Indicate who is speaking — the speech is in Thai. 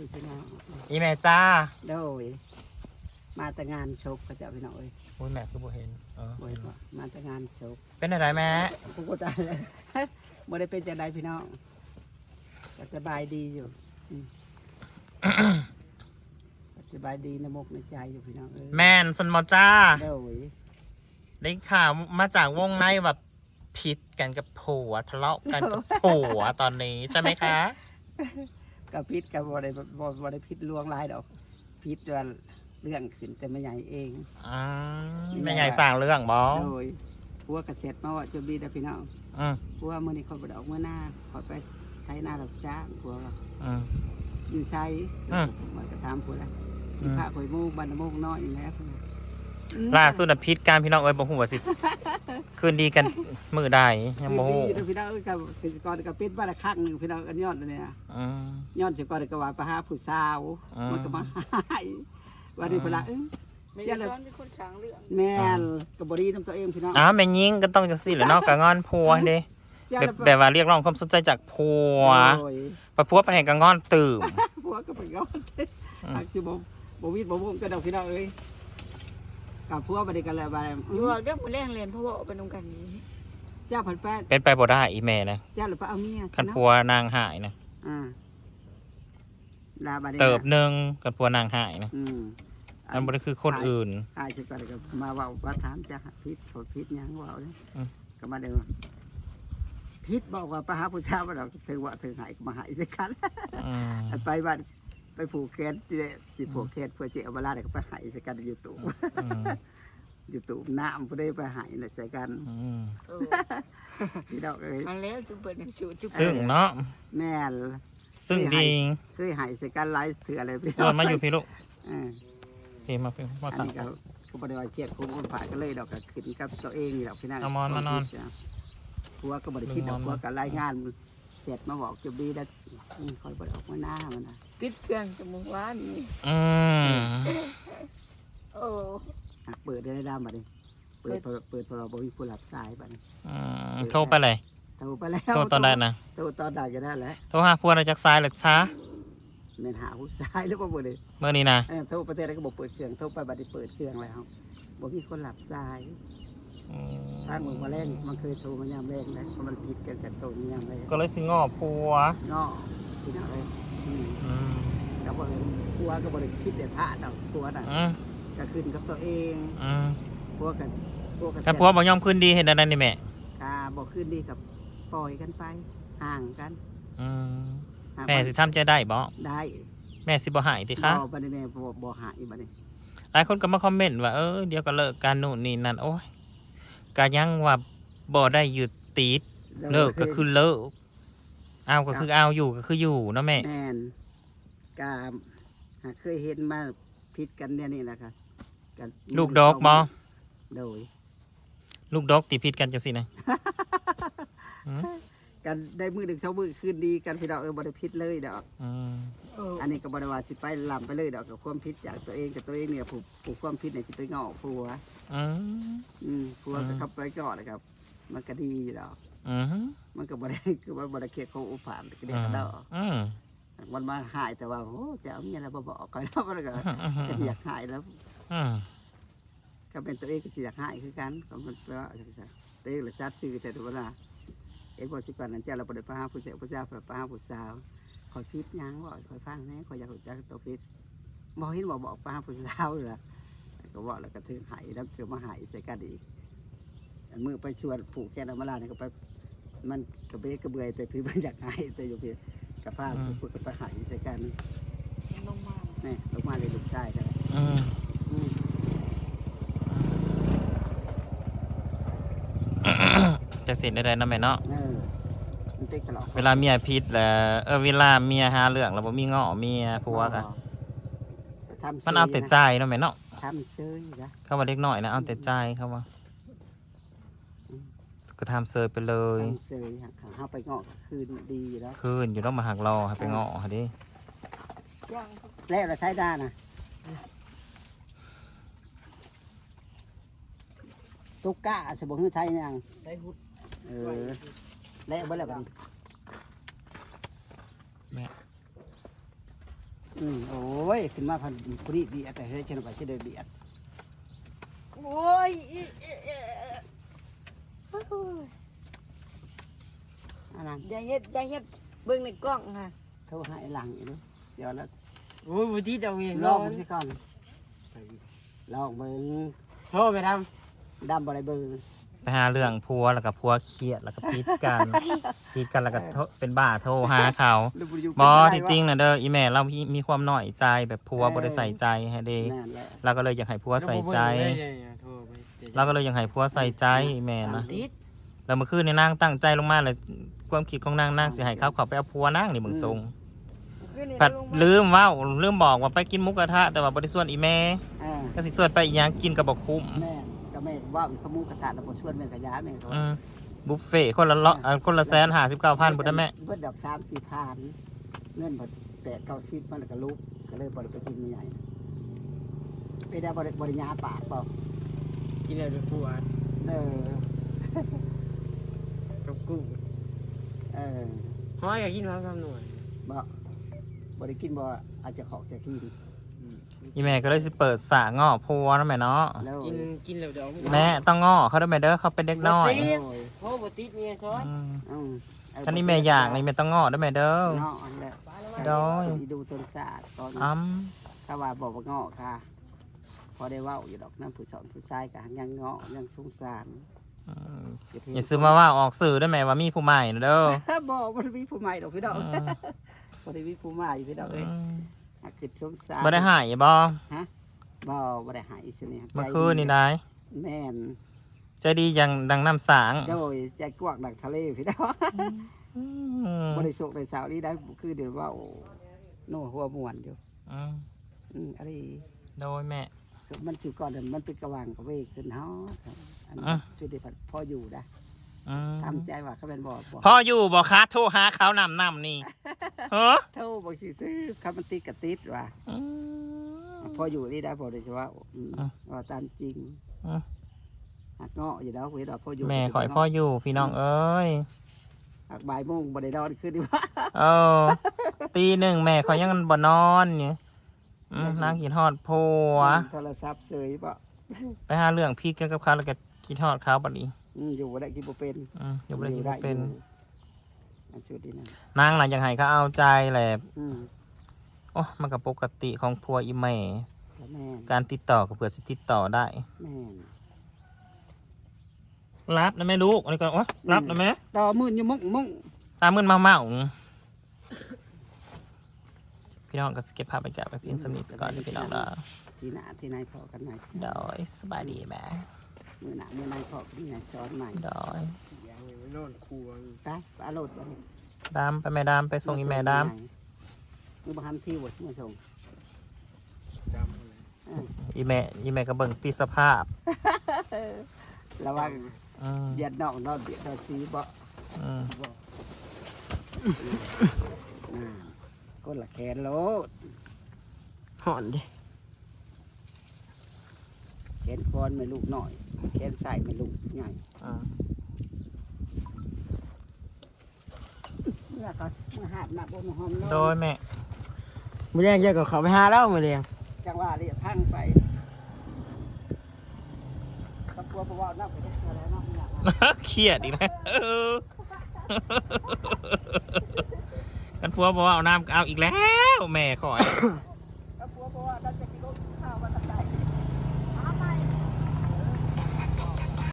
Speaker 1: พี่น้อง
Speaker 2: อีแม่จ้า
Speaker 1: โดยมาแต่งานศพก็จะพี่น้อง
Speaker 2: โอ้ยแม่คือบ่เห็น
Speaker 1: บ่เห็นว่ามาแต่งานศพ
Speaker 2: เป็นอะไรแม่
Speaker 1: กูก็ตายเลยบ่ได้เป็นจังไดพี่น้องก็สบายดีอยู่สบายดีในมกในใจอยู่พี่น้อง
Speaker 2: แม่นสันมอจ้า
Speaker 1: โดย
Speaker 2: ได้ข่าวมาจากวงในแบบผิดกันกับผัวทะเลาะกันกับผัวตอนนี้ใช่ไหมคะ
Speaker 1: กับพิษกับบ่ได้พิษลวงลายดอกพิษว่าเรื่องขึ้นแต่ไม่ใหญ่เอง
Speaker 2: ไม่ใหญ่สร้างเรื่องบอ
Speaker 1: โดยพัวกระเซ็ดมาว่าจะบีแต่พี่น้องพัวเมื่อนี้เขาไปดอกเมื่อหน้าขอไปใช้หน้าดอกจ้างพัวอยู่ใช้มันก็ทำพัวละที่พระข่อยมูบันโมกน้อยอยู่แล้ว
Speaker 2: ล่าสุดพิษการพี่น้องเอ้ยบอกหัวสิคืนดีกันมือได้ยังโมโห
Speaker 1: พี่น้องกับก่อนกับเป็ดบ้านละข้างหนึ่งพี่น้องกันยอดเนี่ยยอดเสียก่อนก็ว่าไปหาผู้สาวมันก็มาให้วันนี้พละ
Speaker 3: ไม่ได้ซ้อนเป็นคนช้างเรื่อง
Speaker 1: แม่กับบรีน้ำตัวเองพี่น้อง
Speaker 2: แม่ยิงก็ต้องจะสิหรือนอกกับงอนผัวเด้แบบว่าเรียกร้องความสนใจจากผัวประพัวไปแห่งกับงอนตื่ม
Speaker 1: ผัวก็ไปงอนอักซิบวิดบ่มก็ดอกพี่น้องเอ้ยกับผัวไปด้วยกันแล้วไป
Speaker 3: อยู่เรื่องมันแรงเรียนเพราะว่าเป็นองค์การนี้
Speaker 1: เจ้าผัดแป้ง
Speaker 2: เป็นไปบ่ได้อีเมลนะ
Speaker 1: เจ้าหรือเปล่าเอาเมีย
Speaker 2: กันผัวนางหายนะเติบหนึ่งกันผัวนางหายนะอันบ่ได้คือคนอื่น
Speaker 1: หายจะก่อนก็มาว่าถามจะพิษผลพิษยังว่าเลยก็มาเดินพิษบอกว่าไปหาผู้ชายมาเราถือว่าถือหายมาหายสิกันไปบ้านไปผูกแขนจีผูกแขนเพื่อจะเอาเวลาเด็กไปหายสิกันอยู่ตู่อยู่ตู่น้ำผู้ได้ไปหายเลยใส่กันพี่ดอกเลย
Speaker 3: อันแล้วจุ๊บเปิดหนังสือ
Speaker 2: ซึ่งเนาะ
Speaker 1: แม่
Speaker 2: ซึ่งดี
Speaker 1: เคยหายใส่กันไล่ถืออะไรพี่
Speaker 2: ส่วนมาอยู่พี่ลูกพี่มาเป็น
Speaker 1: ว่าตั้งก็บริวารเครียดคุ้มคนฝ่ายก็เลยดอกขึ้นกับตัวเองนี่ดอกพี่นั่ง
Speaker 2: มานอน
Speaker 1: ผัวก็บริคิดดอกผัวกับรายงานเสร็จมาบอกจะบีแล้วคอยบริออกมาหน้ามันนะ
Speaker 3: ปิดเครื่องจมูกว่านี่โอ้
Speaker 1: เปิดได้ด้ามมาดิเปิดพอเราบริผู้หลับสายไป
Speaker 2: โทรไปเลย
Speaker 1: โทรไปแล้ว
Speaker 2: โทรตอนได้นะ
Speaker 1: โทรตอนได้ก็ได้แหละ
Speaker 2: โทรหาผัวเราจากซ้ายหรือช้า
Speaker 1: เมนหาผู้ชายหรือเปล่าบ่เลย
Speaker 2: เมื่อนี้นะ
Speaker 1: โทรประเทศอะไรก็บอกเปิดเครื่องโทรไปบัดนี้เปิดเครื่องแล้วบอกมีคนหลับสายทางมือมาแรงมันเคยโทรมายามแรงนะเพราะมันผิดกันกับโทรยามแรง
Speaker 2: ก็เลยสิงอผัว
Speaker 1: งอพี่น้องเลยก็บอกผัวก็บอกคิดเด็ดพลาดเอาผัวน่ะก็ขึ้นกับตัวเองผัวกัน
Speaker 2: ผัวบอกยอมขึ้นดีเห็นอะไรนี่แม่
Speaker 1: บอกขึ้นดีกับปล่อยกันไปห่างกัน
Speaker 2: แม่สิทำใจได้บ่
Speaker 1: ได้
Speaker 2: แม่สิบ่หายติคะ
Speaker 1: บ่ได้แม่บ่หายบ่ได้
Speaker 2: หลายคนก็มาคอมเมนต์ว่าเดี๋ยวก็เลิกกันนู่นนี่นั่นโอ้ยก็ยังว่าบ่ได้หยุดติดเลิกก็คือเลิกเอาก็คือเอาอยู่ก็คืออยู่เนาะแม่
Speaker 1: แม่นก็เคยเห็นมาผิดกันเนี่ยนี่แหละค่ะ
Speaker 2: ลูกดอกบ่
Speaker 1: โดย
Speaker 2: ลูกดอกติผิดกันจังซี่นะ
Speaker 1: กันได้มือหนึ่งเช้ามือคืนดีกันพี่ดอกบริพิษเลยดอกอันนี้ก็บริวารสิไปลำไปเลยดอกกับความพิษจากตัวเองกับตัวเองเนี่ยผูกความพิษเนี่ยจะไปงอผัวผัวก็ขับไปก่อนนะครับมันก็ดีดอกมันก็บริคือว่าบริเคียเขาอุปานก็เด็กดอกมันมาหายแต่ว่าโอ้จะเอาเมียอะไรมาบอกกันแล้วมันก็อยากหายแล้วก็เป็นตัวเองก็อยากหายคือกันก็มันเพราะตัวเองเลยจัดชื่อแต่ตัวละเอ็กซ์สิก่อนนั้นเจ้าเราไปพาผู้เสียผู้เจ้าไปพาผู้สาวคอยพิษยังบ่คอยฟังแน่คอยอยากจะตัวพิษบอกเห็นบอกพาผู้สาวเลยก็บอกแล้วก็ถึงหายแล้วเกี่ยวมาหายใส่กันอีกมือไปชวนผูกแกนมาลาเนี่ยก็ไปมันกระเบะกระเบยแต่พี่มันอยากหายแต่อยู่พี่กับผ้าผูกกับไปหายใส่กัน
Speaker 3: ลงมา
Speaker 1: เนี่ยลงมาเลยลูกชายกัน
Speaker 2: จะเสร็จได้นะแม่เนาะเวลา
Speaker 1: เมี
Speaker 2: ยพิษแล้วเวลาเมียหาเรื่องแล้วบ่มีง้อเมียผัวกันมันเอาแต่ใจเนาะแม่เนาะ
Speaker 1: ทำเซยนะ
Speaker 2: เขาว่าเล็กน้อยนะเอาแต่ใจเขาว่าก็ทำเซยไปเลย
Speaker 1: เซยเขาไปง้อคืนดีแล้ว
Speaker 2: คืนอยู่ต้องมาหักรอให้ไปง้อเขาดิ
Speaker 1: แล้วเราใช้ได้นะตุ๊กก้าสมบูรณ์ไทยยังแล้วเมื่อไรบ้าง
Speaker 2: แม่
Speaker 1: โอ้ยขึ้นมาพันผู้นี้เบียดแต่เฮ้ยฉันไปจะได้เบียด
Speaker 3: โอ้ย
Speaker 1: อันนั้น
Speaker 3: อย่าเฮ็ดเบิ่งในกล้องค่ะ
Speaker 1: โทรหาไอ้หลังอยู่นู้นเดี๋ยวแล้ว
Speaker 4: โอ้ยบุตรีเอาเงี้ย
Speaker 1: ลองมันสิก่อนลองเบิ่ง
Speaker 4: โทรไปท
Speaker 1: ดำบ่ได้เบิ่ง
Speaker 2: ไปหาเรื่องพัวแล้วก็พัวเครียดแล้วก็พีดกัน พีดกันแล้วก็เป็นบ้าโทรหาเขา
Speaker 1: หรือบ่อยู่
Speaker 2: บอที่จริงนะเด้ออีแม่เรามีความหน่อยใจแบบพัวบ่ได้ใส่ใจให้เด้
Speaker 1: นั่นแหละ
Speaker 2: เราก็เลยอยากให้พัว
Speaker 4: ำ
Speaker 2: ใส่ใจ
Speaker 4: โทรไป
Speaker 2: เราก็เลยอยากให้พัวใส่ใจอีแม่นะ
Speaker 4: ติด
Speaker 2: แล้วเมื่อคืนนี่นางตั้งใจลงมาเลยความคิดของนางสิให้เขาไปเอาพัวนางนี่เบิ่งทรงผัดลืมบอกว่าไปกินหมุกกระทะแต่ว่าบ่ได้ส่วนอีแม่
Speaker 1: อ่า
Speaker 2: ก็สิส่วนไปอีหยังกินก็บ่คุ้ม
Speaker 1: แม่ก็แม่ว่ามีขมูกระทะแล้วบ่ชวนแม่กระยาแม่เขา
Speaker 2: บุฟเฟ่ต์คนละคนละ159,000บ่ได้แม่
Speaker 1: เบิดดอก3-4พันเงินบ่8-9 10มันก็ลุกก็เลยบ่ได้ไปกินมื้อใหญ่ไปได้บ่ได้ยาปากเปล่า
Speaker 4: กินอะไรไปปวด
Speaker 1: เออ
Speaker 4: กับกุ้ง
Speaker 1: เออ
Speaker 4: ห้อยอยากกินความคำหน่วย
Speaker 1: บ่ได้กินบ่อาจจะขอกจะกิน
Speaker 2: อีแม่ก็เลยสิเปิดสระง้อพัวนะแม่เนาะ
Speaker 1: แล้ว
Speaker 4: กินแล้วเดี๋ยว
Speaker 2: แม่ต้องง้อเขาด้วยแม่เด้อเขาเป็นเด็กน้อย
Speaker 1: โอ้ย
Speaker 4: โทรบุตรีเมียซ้อน
Speaker 2: อืม
Speaker 1: อืม
Speaker 2: ท่านนี้แม่อยากนี่แม่ต้องง้อด้วยแม่เด้อ
Speaker 1: เนาะอันแล้ว
Speaker 2: โดย
Speaker 1: สิดูต้นศาสตร์ตอน ถ้าว่าบอกว่าเงาะค่ะ พอได้เว่าอยู่ดอกน้ำผู้สอนผู้ชายกับยังเงาะยังสงสาร
Speaker 2: อย่าซื้อมาว่าออกสื่อด้วยแม่ว่ามีผู้ใหม่นะเด้อ
Speaker 1: บอกว่ามีผู้ใหม่ดอกพี่ดอกบ่ได้มีผู้ใหม่พี่ดอกเลยหากคือสงสาร
Speaker 2: บ่ได้หายบ่
Speaker 1: บ่ได้หายสิเนี่ย
Speaker 2: เมื่อคืนนี่ได้
Speaker 1: แม่น
Speaker 2: ใจดีอย่างดังน้ำสาง
Speaker 1: โดยใจกว้างดังทะเลพี่ดอกบ่ได้สุกได้สาวนี้ได้คือเดี๋ยวว่าโอ้โน่หัวม่วนอยู่อะไร
Speaker 2: โดยแม่
Speaker 1: มันสิก่อนมันเป็นกระวังกระเวกขึ้นเฮาอันจุดที่พออยู่ได้ทำใจว่าเขาเป็นบ่
Speaker 2: พ่ออยู่บ่คะโทรหาเขานำนี่เฮ้อ
Speaker 1: เท่าบางทีซื้อคำมันติดกับติดว่าพออยู่นี่ได้พอโดยเฉพาะว่าตามจริงหักเงาะอยู่แล้วเวลาพออยู่
Speaker 2: แม่ขอยพ่ออยู่พี่น้องเอ้ย
Speaker 1: หักบ่ายโมงบ่ได้นอนขึ้นดีว่า
Speaker 2: เออตีหนึ่งแม่ขอยยังบ่นอนเนี่ยนางขีดทอดโพว
Speaker 1: โทรศัพท์เสยปะ
Speaker 2: ไปหาเรื่องพีกกันกับเขาแล้วก็ขีดทอดเขาบัดนี้
Speaker 1: อยู่บ่ได้กินบ่เป็น
Speaker 2: อยู่บ่ได้กินบ่เป็น
Speaker 1: อันชุดนี้นะ
Speaker 2: นางหลังอยากให้เขาเอาใจแหละ
Speaker 1: อืม
Speaker 2: โอ้มันก็ปกติของพัวอีแม่
Speaker 1: แม่น
Speaker 2: การติดต่อกับเผื่อสิติดต่อได้
Speaker 1: แม่น
Speaker 2: รับนะแม่ลูกอันนี้ก็โอ้รับนะแม่
Speaker 1: ต่อมื่นอยู่มุ่ง
Speaker 2: ตามมืนเมาพี่น้องก็สเก็บภาพบรรยากาศไปเพียงสำนิทก่อนพี่น้องเนาะ
Speaker 1: ที่หน้าที่นายพอกันใหม่
Speaker 2: โดยสบายดีแม่
Speaker 1: มื้อหน้ามื้อนายพอกันที่นายสอนใหม่
Speaker 2: โดย
Speaker 4: เสียเลยนอนครัว
Speaker 1: ไปปลาโลดบ่นี่
Speaker 2: ดามไปแม่ดามไปส่งอีแม่ดาม
Speaker 1: มือบ่ทันที่บ่มาส่ง
Speaker 4: จำเลย
Speaker 2: อีแม่ก็เบิ่งตีสภาพ
Speaker 1: ระวัง
Speaker 2: อืม
Speaker 1: เบียดนอกนอนเบียดนอนซีบ่
Speaker 2: อืม
Speaker 1: ก็ละแขนโลด
Speaker 4: หอนดิ
Speaker 1: แขนคอนไม่ลูกหน่อยแขนใส่ไม่ลูกใหญ่
Speaker 2: อืม
Speaker 1: เมื่อก็มาหาบหนักบ่มาหอมนอน
Speaker 2: โดยแม่
Speaker 4: มือแรงเยอะกับเขาไปหาแล้วมือแรง
Speaker 1: จังว่าเรียกทั้งไปตะปัวบ่ว่านักไปได้อะไรเนาะไม่อยากมา
Speaker 2: เครียดอีกนะกันพัวบอกว่าเอาน้ำเอาอีกแล้วแม่ขอย